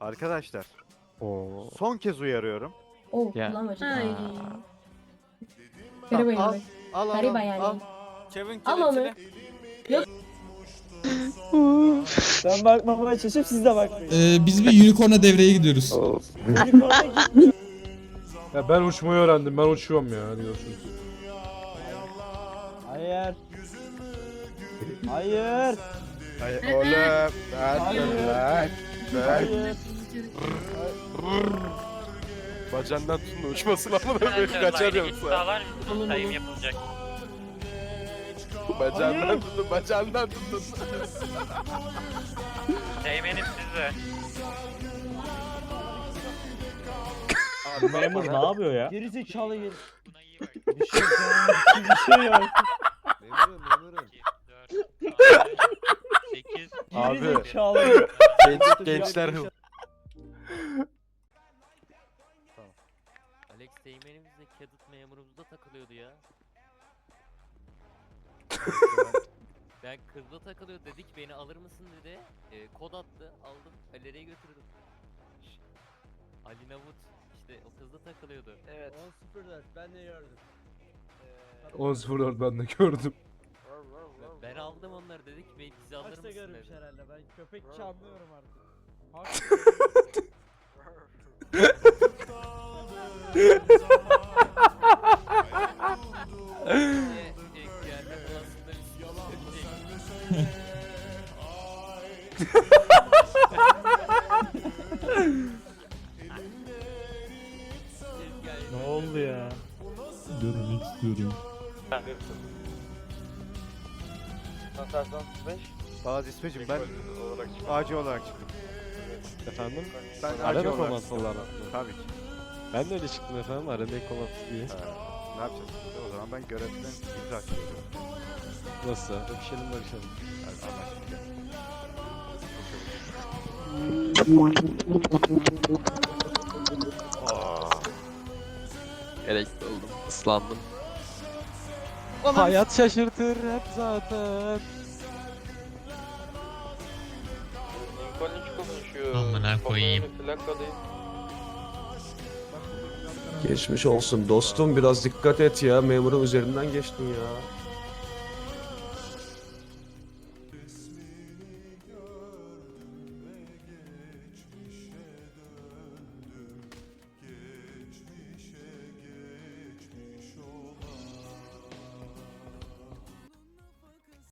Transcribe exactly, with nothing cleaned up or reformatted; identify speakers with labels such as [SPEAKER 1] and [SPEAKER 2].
[SPEAKER 1] Arkadaşlar
[SPEAKER 2] Oo.
[SPEAKER 1] son kez uyarıyorum.
[SPEAKER 3] Oh,
[SPEAKER 2] Ya.
[SPEAKER 3] kullanmacı.
[SPEAKER 4] Ay.
[SPEAKER 3] Geri
[SPEAKER 1] Tamam, al,
[SPEAKER 3] bayılır.
[SPEAKER 1] al al
[SPEAKER 3] Gariba
[SPEAKER 1] al,
[SPEAKER 3] yani.
[SPEAKER 1] al.
[SPEAKER 5] Kevin
[SPEAKER 3] Al onu.
[SPEAKER 5] kelepçeli.
[SPEAKER 6] Ben bakmamaya çalışıp siz de bakmayın.
[SPEAKER 7] Ee, biz bir unicorn'a devreye gidiyoruz.
[SPEAKER 6] Unicorn'a gitmiyor.
[SPEAKER 8] Ya ben uçmayı öğrendim. Ben uçuyorum ya. Hadi görüşürüz.
[SPEAKER 6] Hayır. Hayır.
[SPEAKER 1] Ay, oğlum.
[SPEAKER 6] Hayır.
[SPEAKER 1] Ben, ben,
[SPEAKER 6] Hayır.
[SPEAKER 2] Bacandan tutun da uçmasın ama da
[SPEAKER 9] Arkadaşlar
[SPEAKER 2] kaçar
[SPEAKER 9] line'e
[SPEAKER 2] yoksa.
[SPEAKER 9] sağlar mısınız? Sayım yapılacak.
[SPEAKER 2] Bacandan
[SPEAKER 6] Hayır.
[SPEAKER 2] tutun, bacandan tutun.
[SPEAKER 9] Teğmenim sizde.
[SPEAKER 6] Memur ne yapıyor ya? Geri zekalı geri.
[SPEAKER 9] Buna iyi bak.
[SPEAKER 6] Bir şey yok. Bir şey yok.
[SPEAKER 2] Memurum, memurum.
[SPEAKER 9] iki, dört, sekiz.
[SPEAKER 2] Abi.
[SPEAKER 6] Geri zekalı.
[SPEAKER 2] Genç, gençler hıl.
[SPEAKER 10] Alex Teğmenimiz de Cadet memurumuzda takılıyordu ya. Ben kızla takılıyor dedik beni alır mısın dedi. E, kod attı aldım galeriye götürdüm. Şşt. Ali Navut işte o kızla takılıyordu.
[SPEAKER 6] Evet. on sıfır dört ben de gördüm.
[SPEAKER 8] on sıfır dört ben de gördüm.
[SPEAKER 10] Ben aldım onları dedik beni bizi alır
[SPEAKER 6] Kaçta
[SPEAKER 10] mısın
[SPEAKER 6] görmüş
[SPEAKER 10] dedi.
[SPEAKER 6] herhalde ben köpekçi anlıyorum artık.
[SPEAKER 10] Diye, e, gelme falasında bir şey
[SPEAKER 6] Ne oldu ya?
[SPEAKER 7] Görmek istiyorum.
[SPEAKER 1] Bazı İsmeciğim ben acil olarak çıktım.
[SPEAKER 2] Efendim?
[SPEAKER 1] Ben acil
[SPEAKER 2] Arada
[SPEAKER 1] olarak
[SPEAKER 2] komansı olarak mı?
[SPEAKER 1] Tabii ki.
[SPEAKER 2] Ben de öyle çıktım efendim, arada komansı diye.
[SPEAKER 1] Ha, ne yapacağız? O zaman ben görevden imza atıyorum.
[SPEAKER 2] Nasıl? Öpüşelim barışalım.
[SPEAKER 1] Yani anlaştık.
[SPEAKER 2] Gerekli oldum, ıslandım. Hayat şaşırtır hep zaten.
[SPEAKER 9] Amına koyayım.
[SPEAKER 11] Geçmiş olsun dostum, biraz dikkat et ya, memurun üzerinden geçtin ya.